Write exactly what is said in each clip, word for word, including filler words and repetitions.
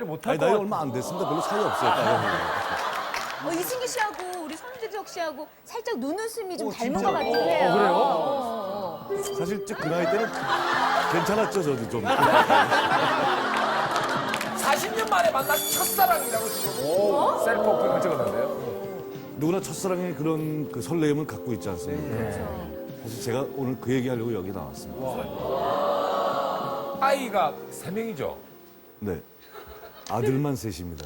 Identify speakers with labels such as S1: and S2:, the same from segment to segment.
S1: 못할
S2: 아니,
S1: 것
S2: 나이
S1: 같아요.
S2: 얼마 안 됐습니다. 별로 차이 없어요. 나이하고.
S3: 어, 이승기 씨하고 우리 선우재석 씨하고 살짝 눈웃음이 좀 닮은 것 같기도 해요.
S1: 그래요?
S3: 어, 어, 어.
S2: 사실 그 나이 때는 괜찮았죠, 저도 좀.
S4: 사십 년 만에 만난 첫사랑이라고 지금 셀프 오픈을 적어놨는데요.
S2: 누구나 첫사랑의 그런 그 설레임을 갖고 있지 않습니까? 사실 제가 오늘 그 얘기하려고 여기 나왔습니다.
S4: 아이가 세 명이죠.
S2: 네. 아들만 셋입니다.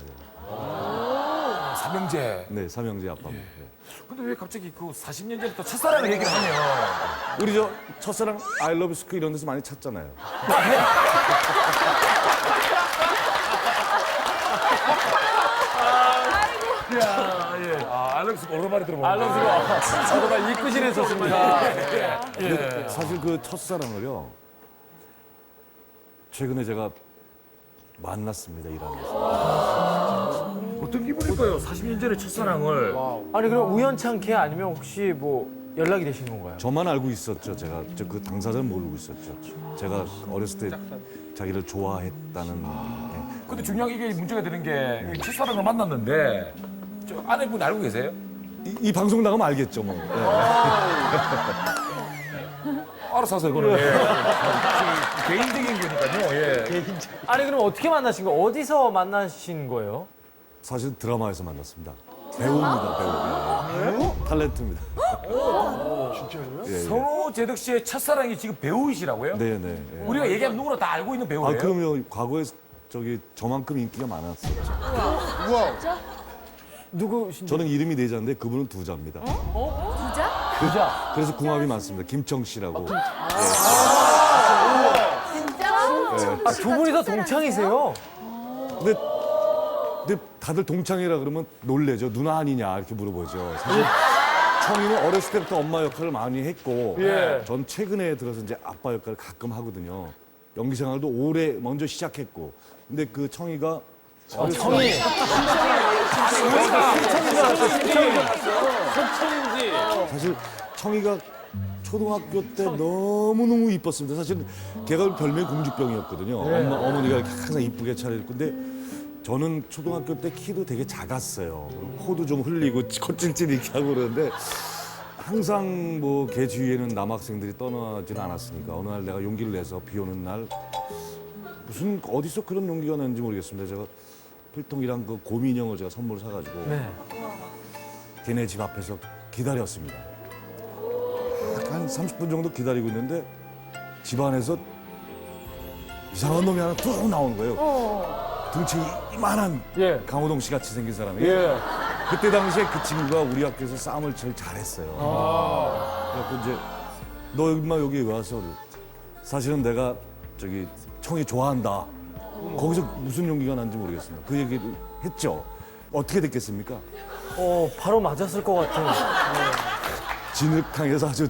S4: 삼형제.
S2: 네, 삼형제 아빠입니다. 네.
S4: 근데 왜 갑자기 그 사십 년 전에 또 첫사랑을 얘기를 하면
S2: 우리 저 첫사랑 I love you 스크 이런 데서 많이 찾잖아요.
S4: 야, 예. 아, 알렉스 오랜만에 들어보는
S1: 알론스가 저도 막 이끄실 했었습니다.
S4: 예.
S2: 사실 그 첫사랑을요. 최근에 제가 만났습니다, 일하면서.
S4: 어떤 기분일까요? 사십 년 전에 첫사랑을.
S1: 아니 그럼 우연찮게 아니면 혹시 뭐 연락이 되신 건가요?
S2: 저만 알고 있었죠. 제가 저 그 당사자는 모르고 있었죠. 제가 어렸을 때 자기를 좋아했다는. 예.
S4: 근데 중요한 게 이게 문제가 되는 게 첫사랑을 만났는데 저 아내분 알고 계세요?
S2: 이, 이 방송 나가면 알겠죠, 뭐. 예.
S4: 알아서 하세요, 그거는. 예. 개인적인 거니까요. 예.
S1: 아니 그럼 어떻게 만나신 거예요? 어디서 만나신 거예요?
S2: 사실 드라마에서 만났습니다. 배우입니다, 배우. 예. 탤런트입니다. 진짜요? 예, 예.
S4: 선호재덕 씨의 첫사랑이 지금 배우이시라고요?
S2: 네, 네. 예.
S4: 우리가 얘기하면 누구나 다 알고 있는 배우예요.
S2: 아, 그러면 과거에 저기 저만큼 인기가 많았었죠.
S1: 누구신지?
S2: 저는 이름이 네 자인데 그분은 두 자입니다.
S3: 부자?
S1: 부자.
S2: 그래서 궁합이 많습니다. 김청 씨라고.
S3: 진짜?
S1: 아, 두 분이서 동창이세요?
S2: 근데, 근데 다들 동창이라 그러면 놀래죠. 누나 아니냐 이렇게 물어보죠. 사실 청이는 어렸을 때부터 엄마 역할을 많이 했고
S1: 예.
S2: 전 최근에 들어서 이제 아빠 역할을 가끔 하거든요. 연기 생활도 오래 먼저 시작했고 근데 그 청이가 어렸을
S1: 청이.
S2: 사실 청이가 초등학교 때 너무너무 이뻤습니다. 사실 걔가 별명이 공주병이었거든요. 엄마, 어머니가 이렇게 항상 이쁘게 차려입고. 근데 저는 초등학교 때 키도 되게 작았어요. 코도 좀 흘리고 콧질질 이렇게 하고 그러는데 항상 뭐 걔 주위에는 남학생들이 떠나지는 않았으니까 어느 날 내가 용기를 내서 비 오는 날 무슨 어디서 그런 용기가 났는지 모르겠습니다. 제가 필통이랑 그 곰인형을 제가 선물 사가지고
S1: 네.
S2: 걔네 집 앞에서 기다렸습니다. 한 삼십 분 정도 기다리고 있는데 집 안에서 이상한 놈이 하나 뚝 나오는 거예요. 등치 이만한
S1: 예.
S2: 강호동 씨 같이 생긴 사람이.
S1: 예.
S2: 그때 당시에 그 친구가 우리 학교에서 싸움을 제일 잘했어요. 그래갖고 이제 너 임마 여기 왜 왔어? 그래. 사실은 내가 저기 청이 좋아한다. 거기서 무슨 용기가 난지 모르겠습니다. 그 얘기를 했죠. 어떻게 됐겠습니까?
S1: 어 바로 맞았을 것 같은.
S2: 진흙탕에서 아주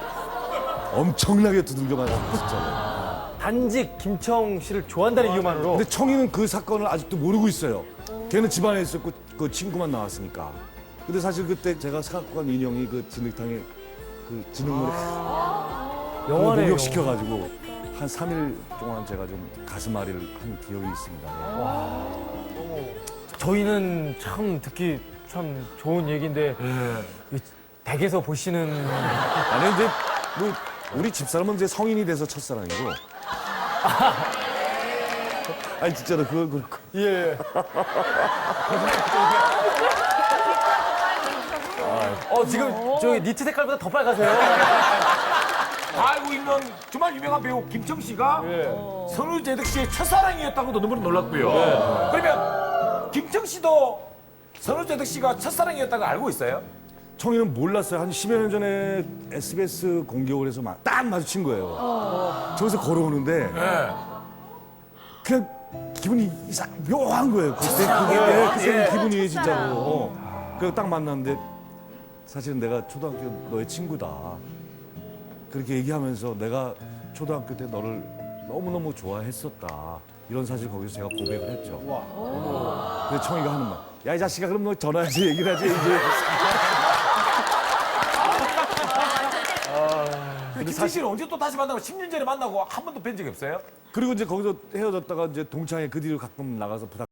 S2: 엄청나게 두들겨 맞았어요. 진짜로.
S1: 단지 김청 씨를 좋아한다는 이유만으로.
S2: 근데 청이는 그 사건을 아직도 모르고 있어요. 걔는 집안에 있었고 그 친구만 나왔으니까. 근데 사실 그때 제가 사갖고 간 인형이 그 진흙탕에 그 진흙물에
S1: 영화네요.
S2: 목욕시켜가지고 한 삼 일 동안 제가 좀 가슴앓이를 한 기억이 있습니다. 예.
S1: 저희는 참 듣기 참 좋은 얘기인데 이 댁에서 보시는
S2: 아니 이제 뭐 우리 집사람은 이제 성인이 돼서 첫사랑이고. 아니 진짜로 그건 그렇고.
S1: 예. 어 지금 저기 니트 색깔보다 더 빨가세요.
S4: 다 알고 있는 정말 유명한 배우 김청 씨가 선우재덕 씨의 첫사랑이었다고도 너무 놀랐고요. 그러면 김청 씨도 선우재덕 씨가 첫사랑이었다고 알고 있어요?
S2: 청이는 몰랐어요. 한 십여 년 전에 에스비에스 공개홀에서 마- 딱 마주친 거예요. 저기서 걸어오는데
S4: 네.
S2: 그냥 기분이 이상 묘한 거예요. 그때 그게 네, 그때 기분이 진짜로. 어. 그래서 딱 만났는데 사실은 내가 초등학교 너의 친구다. 그렇게 얘기하면서 내가 초등학교 때 너를 너무너무 좋아했었다. 이런 사실 거기서 제가 고백을 했죠. 어. 근데 청이가 하는 말. 야, 이 자식아, 그럼 너 전화해서 얘기를 하지, 이제.
S4: 근데 김청 씨는 언제 또 다시 만나고 십 년 전에 만나고 한 번도 뵌 적이 없어요?
S2: 그리고 이제 거기서 헤어졌다가 이제 동창회 그 뒤로 가끔 나가서 부탁